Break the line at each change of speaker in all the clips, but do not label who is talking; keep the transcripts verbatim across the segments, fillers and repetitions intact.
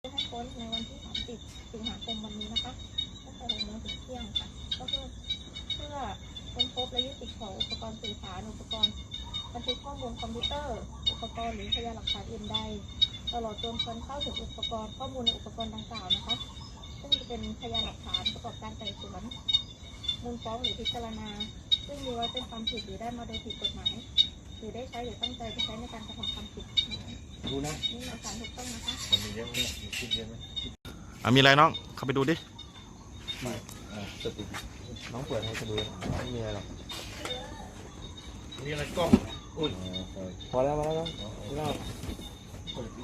ให้พ้นในวันที่สามสิบสิงหาคมวันนี้นะคะตั้งแต่หกโมงถึงเที่ยงค่ะก็เพื่อเพื่อค้นพบและยึดติดของอุปกรณ์สื่อสารอุปกรณ์บันทึกข้อมูลคอมพิวเตอร์อุปกรณ์หรือพยานหลักฐานอื่นใดตลอดจนการเข้าถึงอุปกรณ์ข้อมูลในอุปกรณ์ดังกล่าวนะคะซึ่งจะเป็นพยานหลักฐานประกอบการไต่สวนมูลฟ้องหรือพิจารณาซึ่งมีไว้เป็นความผิดหรือได้มาโดยผิดกฎหมายหรือได้ใช้หรือตั้งใจจะใช้ในการกระทำความผิด
ดูนะ
นี่หลักฐานถูกต้องนะคะ
มันมีเยอะไหมมีคิดเยอะไหม
อ่ะมีอะไรน้องเข้าไปดูดิ
ไม่สติน้องเปิดให้เขาดูไม่มีอะไรหรอกมีอะไรกล้องอุ้ยพอแล้วพอแล้วน้องเปิด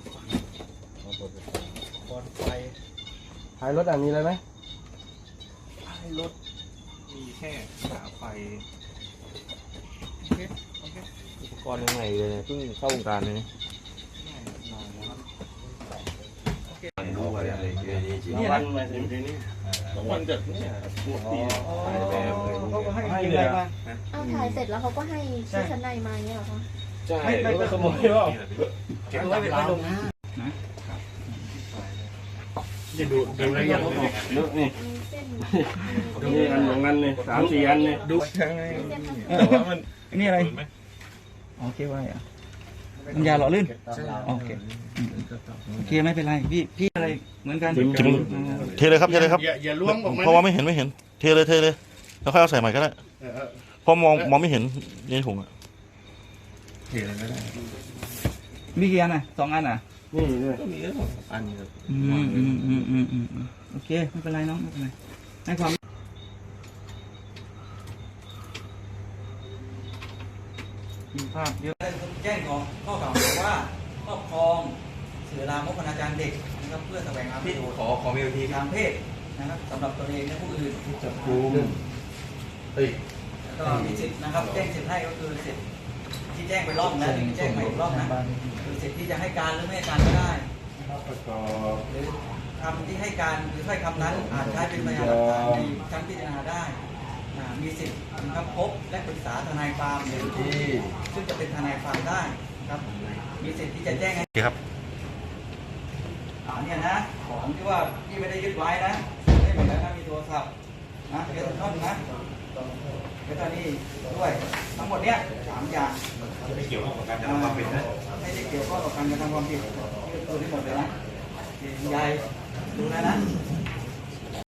บอลไฟท้ายรถอ่ะมีอะไรไหมท้ายรถมีแค่ขาไฟโอเคโอเคอุปกรณ์ยังไงเลยเพิ่งเข้าวงการเลยนี่นี่วันมาถึงที่นี่วันเกิดเนี่ยปวดตีเขาก็ให้อะไรมา
เอาถ่ายเสร็จแล้วเขาก็ให้ชุดชั้นในมาเนี่ยเหรอคะ
ใช่ไม่ไปขโมยหรอกเก็บไว้ไปลงหน้านะจะดูดูอะไรอย่างนี้ดูนี่นี่อันของนั้นเลยสามสี่อันเลยดูยังไงแต่ว่ามัน
นี่อะไรโอเคไว้อะน้ำยาหล่อลื่นโอเคโอเคไม่เป็นไรพี่พี่อะไรเหมือนกัน
เทเลยครับเทเลยครับ
อย่าล้วงออกมา
เพราะว่าไม่เห็นไม่เห็นเทเลยเทเลยแล้วค่อยเอาใส่ใหม่ก็ได้เพราะมองมองไม่เห็นในถุงอะ
เทเลยก็ได้
มีกี่อันอ่ะสองอันอ่ะ
นี่ด้วยก็มีแค่สองอันนี้ครับ
อืมอืมอืมอืมอืมโอเคไม่เป็นไรน้องไม่เป็นไรให้ความมีภาพเยอะแจ้งของข้อกล่าวหาว่าครอบครองสื่อลามกอนาจารเด็กนะครับเพื่อแสวงหาประโยชน์
ขอขอมีวิธี
ทางเพศนะครับสำหรับตัวเองและผู้อื่น
จับกุมเฮ้ย
ก็มีสิทธิ์นะครับแจ้งสิทธิ์ให้ก็คือสิทธิ์ที่แจ้งไปรอบนะแจ้งไปอีกรอบนะคือสิทธิ์ที่จะให้การหรือไม่ให้การก็ได้หรือคำที่ให้การหรือถ้อยคำนั้นอาจใช้เป็นพยานหลักฐานในชั้นพิจารณาได้มีสิทธิ์นะครับพบและปรึกษาทนายความหรือที่ซึ่งจะเป็นทนายความได้ครับมีสิทธิ์ที่จะแจ้งให้
ครับ
อ่าเนี่ยนะของที่ว่าที่ไม่ได้ยึดไว้นะไม่หมดแล้วนะมีโทรศัพท์นะเดี๋ยวต้นนะเดี๋ยวตอนนี้ด้วยทั้งหมดเนี้ยสามอย่าง
ไม่เกี่ยวข้องกับการกระทำความผิดนะ
ไม่ได้เกี่ยวข้องกับการกระทำความผิดที่ตัวที่หมดเลยนะยายดูนะนะ